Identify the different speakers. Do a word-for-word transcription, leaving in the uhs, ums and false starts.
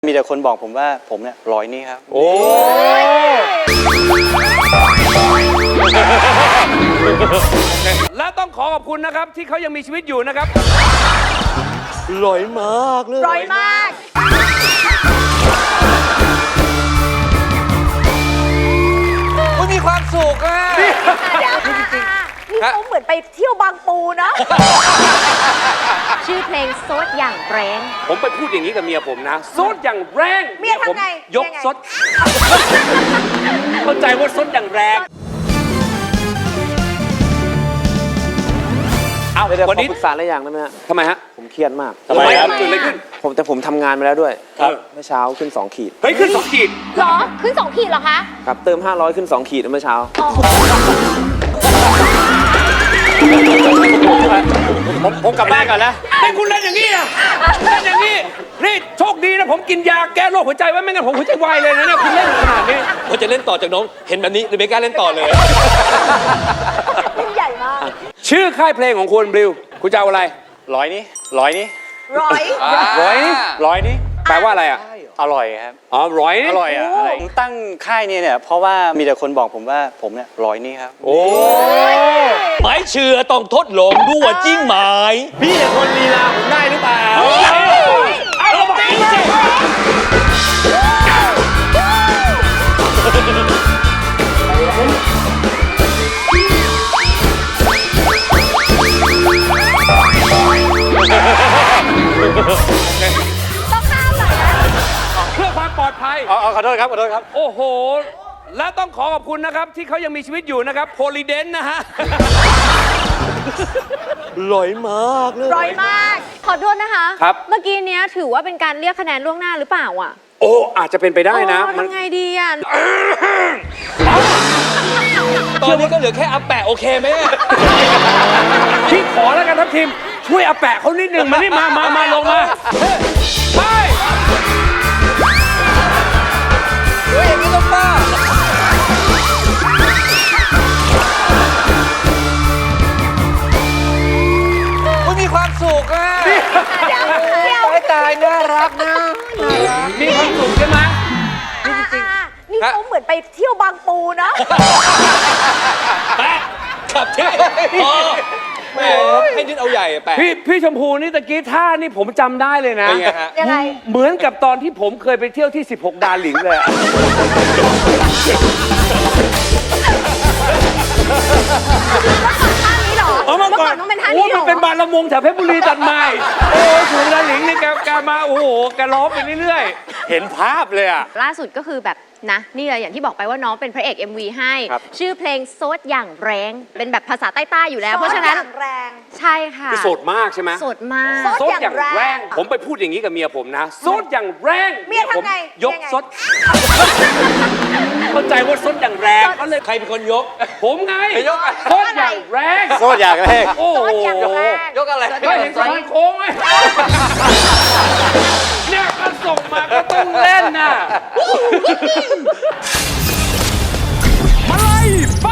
Speaker 1: มีแต่คนบอกผมว่าผมเนี่ยร้อยนี่ครับโอ้
Speaker 2: และต้องขอขอบคุณนะครับที่เขายังมีชีวิตอยู่นะครับ
Speaker 1: ร้อยมากเลย
Speaker 3: ร้อยมาก
Speaker 2: มันมีความสุขอ่ะ
Speaker 3: เดี๋ยวจริงๆนี่เขาเหมือนไปเที่ยวบางปูเนาะ
Speaker 4: ชื่อเพลงโซดอย่างแรง
Speaker 2: ผมไปพูดอย่างนี้กับเมียผมนะซดอย่างแรง
Speaker 3: เมียทำไง
Speaker 2: ยกซดเข้าใจว่าซดอย่างแรงเอา
Speaker 5: เดี๋ยว
Speaker 2: วัน
Speaker 5: ขอ
Speaker 2: นี้
Speaker 5: ปรึกษาอะไรอย่างได้ไหมฮะ
Speaker 2: ทำไมฮะ
Speaker 5: ผมเครียดมาก
Speaker 2: ทำไมครับเกิดอะไรขึ้น
Speaker 5: ผมแต่ผมทำงานมาแล้วด้วย
Speaker 2: ครับ
Speaker 5: เมื่อเช้าขึ้นสองขีด
Speaker 2: เฮ้ยขึ้นสองขีด
Speaker 4: หรอ ขึ้นสองขีดเหรอคะ
Speaker 5: ครับเติมห้าร้อยขึ้นสองขีดเมื่อเช้า
Speaker 2: ผมผมกลับบ้านก่อนนะไม่คุณเล่นอย่างนี้อ่ะเล่นอย่างนี้นี่โชคดีนะผมกินยาแก้โรคหัวใจไว้ไม่งั้นผมหัวใจวายเลยนะเนี่ยคุณเล่นขนาดนี้
Speaker 6: พอจะเล่นต่อจากน้องเห็นแบบนี้เลยไม่กล้าเล่นต่อเลย
Speaker 3: เล่นใหญ่มาก
Speaker 2: ชื่อค่ายเพลงของคุณบลิวคุณจะเอาอะไร
Speaker 1: ร้อยนี่ร้อยนี่
Speaker 3: ร้อย
Speaker 2: ร้อยนี่ร้อยนี่แปลว่าอะไรอ่ะ
Speaker 1: อร่อยครับ
Speaker 2: อ๋อร้อยนี่
Speaker 1: อร่อยอ่ะอะไรผมตั้งค่ายเนี่ยเนี่ยเพราะว่ามีแต่คนบอกผมว่าผมเนี่ยร้อยนี่ครับ
Speaker 2: โอ้
Speaker 6: ไม้เชื่อต้องทดลองดูว่าจริงไหม
Speaker 2: พี่เนี่ยคนลีลาผมได้หรือเปล่าเอาจริงสิ
Speaker 3: ต้องห้ามหน่อยนะ
Speaker 2: เพื่อความปลอดภัย
Speaker 1: อ๋อขอโทษครับขอโทษครับ
Speaker 2: โอ้โห และต้องขอขอบคุณนะครับที่เขายังมีชีวิตอยู่นะครับโพลีเดนนะฮะ
Speaker 5: ร้อยมากเลย
Speaker 3: ร้อยมาก
Speaker 4: ขอโทษนะคะ
Speaker 2: ครับ
Speaker 4: เมื่อกี้เนี้ยถือว่าเป็นการเรียกคะแนนล่วงหน้าหรือเปล่าอ่ะ
Speaker 2: โอ้อาจจะเป็นไปได้นะ
Speaker 4: โอ้
Speaker 2: มัน
Speaker 4: ทำไงดีอ่ะ
Speaker 6: ตอนนี้ก็เหลือแค่อัปแปะโอเคไหม
Speaker 2: พี่ขอแล้วกันทัพทีมช่วยอาแปะเขานิดหนึ่งมานี่มามามาลงมาไปช่วยอย่างนี้ลงมามันมีความสุขอ่ะ
Speaker 3: เดี๋ยวเดี๋ยว
Speaker 2: ตายตายน่ารักนะมีความสุขใช่ไหม
Speaker 3: อ่านี่เขาเหมือนไปเที่ยวบางปูเนาะ
Speaker 6: แปะขับที่พอแหมให้นิดเอาใหญ่แปะ
Speaker 2: พี่พี่ชมพูนี่ตะกี้ท่านี่ผมจำได้เลยนะ
Speaker 6: เป็นไงฮะ
Speaker 3: ยังไง
Speaker 2: เหมือนกับตอนที่ผมเคยไปเที่ยวที่สิบหกดาหลิงเลยอะ
Speaker 3: ท่านี้เหรอ
Speaker 2: เอามาก่อน
Speaker 3: ต้องเป็นท่า
Speaker 2: โอ้
Speaker 3: นี้เหร
Speaker 2: มัน
Speaker 3: อ
Speaker 2: เป็นบานละมงแถวเพชรบุรีตัดใหม่โอ้สิบหกดาหลิงนี่แกแกมาโอ้โหแกร้องไปเรื่อยๆเห็นภาพเลยอะ
Speaker 4: ล่าสุดก็คือแบบนะนี่เลยอย่างที่บอกไปว่าน้องเป็นพระเอก เอ็ม วี ให้
Speaker 2: ครับ
Speaker 4: ชื่อเพลงโซดอย่างแรงเป็นแบบภาษาใต้ๆอยู่แล้ว เพราะฉะนั้น
Speaker 3: ซอสอย่างแรง
Speaker 4: ใช่ค่ะ
Speaker 2: คือโสดมากใช่ไหม
Speaker 4: โสดมาก
Speaker 3: โสด
Speaker 2: ซดอย่างแรง ผมไปพูดอย่างนี้กับเมียผมนะซดอย่างแรง
Speaker 3: เมียทำไง
Speaker 2: ผยก
Speaker 3: ยังไง
Speaker 2: ซดเข้าใจว่าซดอย่างแรงก็เลย
Speaker 6: ใครเป็นคนยก
Speaker 2: ผมไง
Speaker 6: ยกอะ
Speaker 2: ซดอย่างแรง
Speaker 1: โคตรอยากแรก
Speaker 2: โอ้
Speaker 3: ซ
Speaker 2: โห
Speaker 3: อสอย่างแรง
Speaker 6: ยกอะไร
Speaker 2: ก็เห็นสะพานโค้งไหมเนี่ยก็ส่งมาก็ต้องเล่นน่ะมาไล่ฟ